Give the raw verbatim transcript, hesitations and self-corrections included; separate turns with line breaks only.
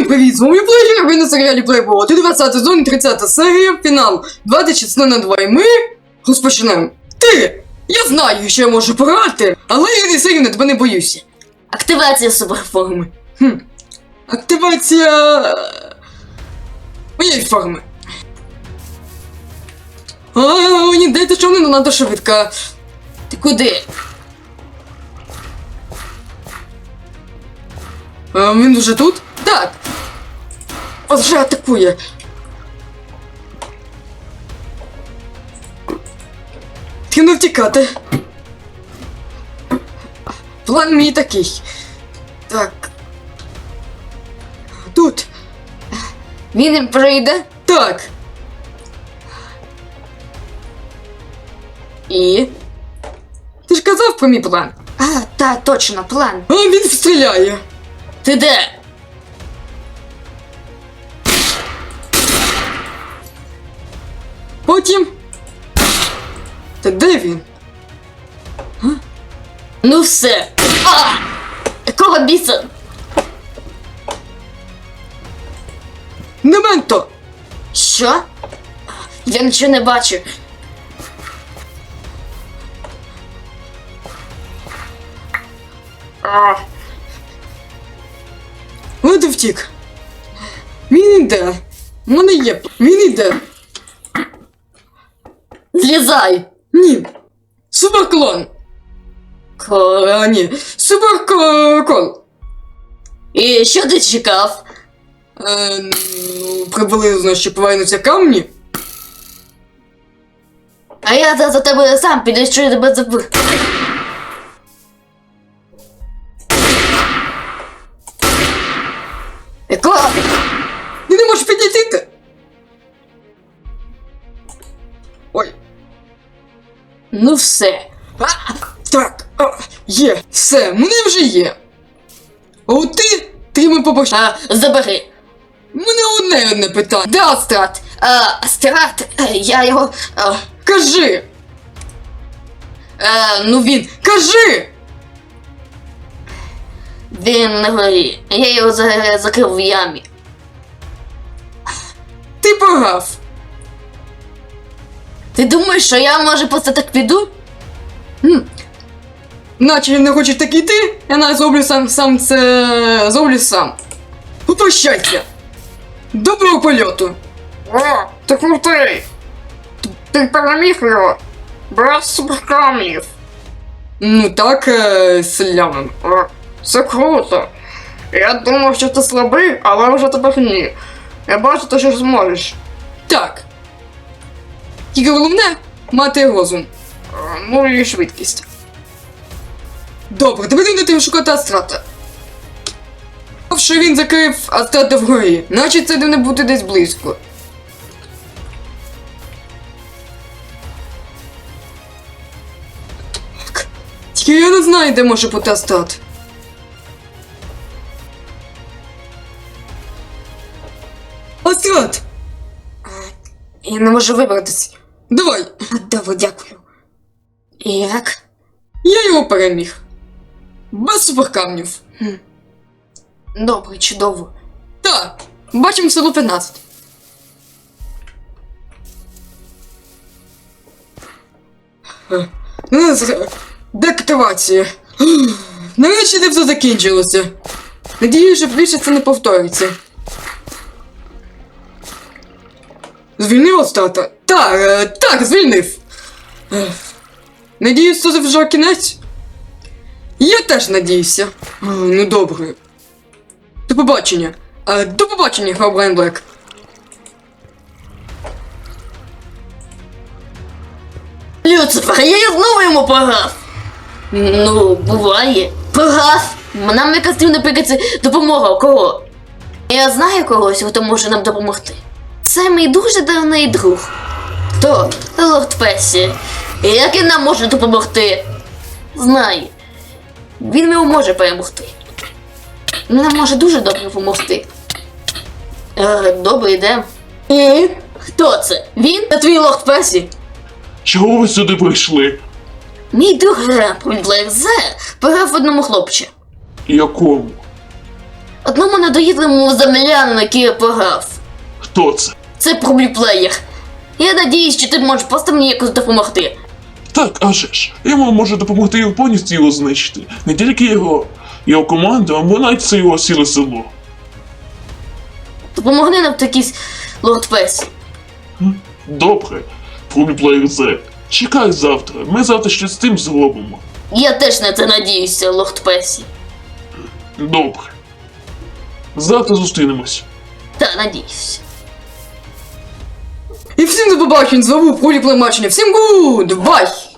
привіт! З вами Плеєр, ви на серіалі Playboy. двадцятий сезон, тридцята серія, фінал. двадцять шість на два, і ми розпочнемо. Ти! Я знаю, що я можу пограти, але я не сильно тебе не боюся.
Активація суперформи.
Хм. Активація... моєї форми. А, ні, дайте що не надо швидко.
Ти куди?
А, він вже тут? Так. Ось вже атакує. Треба втікати. План мій такий. Так. Тут.
Він прийде.
Так.
І?
Ти ж казав про мій план.
А, та, точно, план.
А він стріляє.
Ти де?
Потім. Та де він?
Ну все. А! Якого біса?
Нементо!
Що? Я нічого не бачу. А,
От і втік. Він іде. У мене є. Він іде.
злізай.
Ні. Суперклон.
Ко...
А, ні. Суперкол.
І що ти чекав?
Е, ну, приблизно, що повернуться камні.
А я за, за тебе сам піду, що я тебе забив. Якого?
Ти не можеш підійти. Ой.
Ну все.
А, так. А, є. Все. Мене вже є. А от ти, ти ми побачиш.
А, забери.
Мене одне одне питання. Де Астрат?
А, Астрат, е, я його... А,
Кажи.
е, ну він...
Кажи.
Він на горі. Я його за, закрив в ямі.
Ти програв.
Ти думаєш, що я, може, просто так піду?
Хм. Наче не хочеш так іти, я навіть зроблю сам, сам це... зроблю сам. Попрощайся. Доброго польоту.
О, ти крутий! Ти переміг його! Без суперкамнів!
Ну так, е, селянин.
О, це круто! Я думав, що ти слабий, але вже тепер ні. Я бачу, ти що зможеш.
Так. Тільки головне мати розум.
Е, Ну і швидкість.
Добре, тепер йдете шукати Астрата. Що він закрив Астрата вгорі, значить це не бути десь близько. Так. Тільки я не знаю, де може бути Астрат. Астрат!
Я не можу вибратися.
Давай!
Добре, дякую. Як?
Я його переміг. Без суперкамнів.
Добре, чудово.
Так, бачимо село п'ятнадцять. Е, ну, з- Деактивація. Нарешті це все закінчилося. Надію, що більше це не повториться. Звільнив Астрата? Так, е, так, звільнив. Е, Надіюсь, це вже кінець? Я теж надіюся. Е, Ну добре. До побачення. Е, До побачення, Херобрайн Блек.
Люцифер, я знову йому програв. Ну, буває. Програв. Нам якась потрібна приказ допомога. Кого? Я знаю когось, хто може нам допомогти. Це мій дуже давний друг. Хто? Лорд Песі. І як він нам може допомогти? Знаю. Він мені може перемогти. Він нам може дуже добре допомогти. Е, добре, йдемо. І? Хто це? Він? Це твій Лорд Песі?
Чого ви сюди прийшли?
Мій друг Ремпл Блек Зе пограв в одному хлопче.
Якому?
От одному недоїдливому землянину, який я пограв.
Хто це?
Це пробліплеєр. Я надіюсь, що ти можеш просто мені якось допомогти.
Так, а же ж. Я вам можу допомогти його повністю його знищити. Не тільки його, його команду, а навіть це його сіле село.
Допомогни нам в такій лорд Песі.
Добре, Фруміплеєр Зет. Чекай завтра. Ми завтра щось з тим зробимо.
Я теж на це надіюся, лорд Песі.
Добре. Завтра зустрінемось.
Та, надіюся.
І всім до побачень, з вами Проліплемачення. Всім гуд, бай!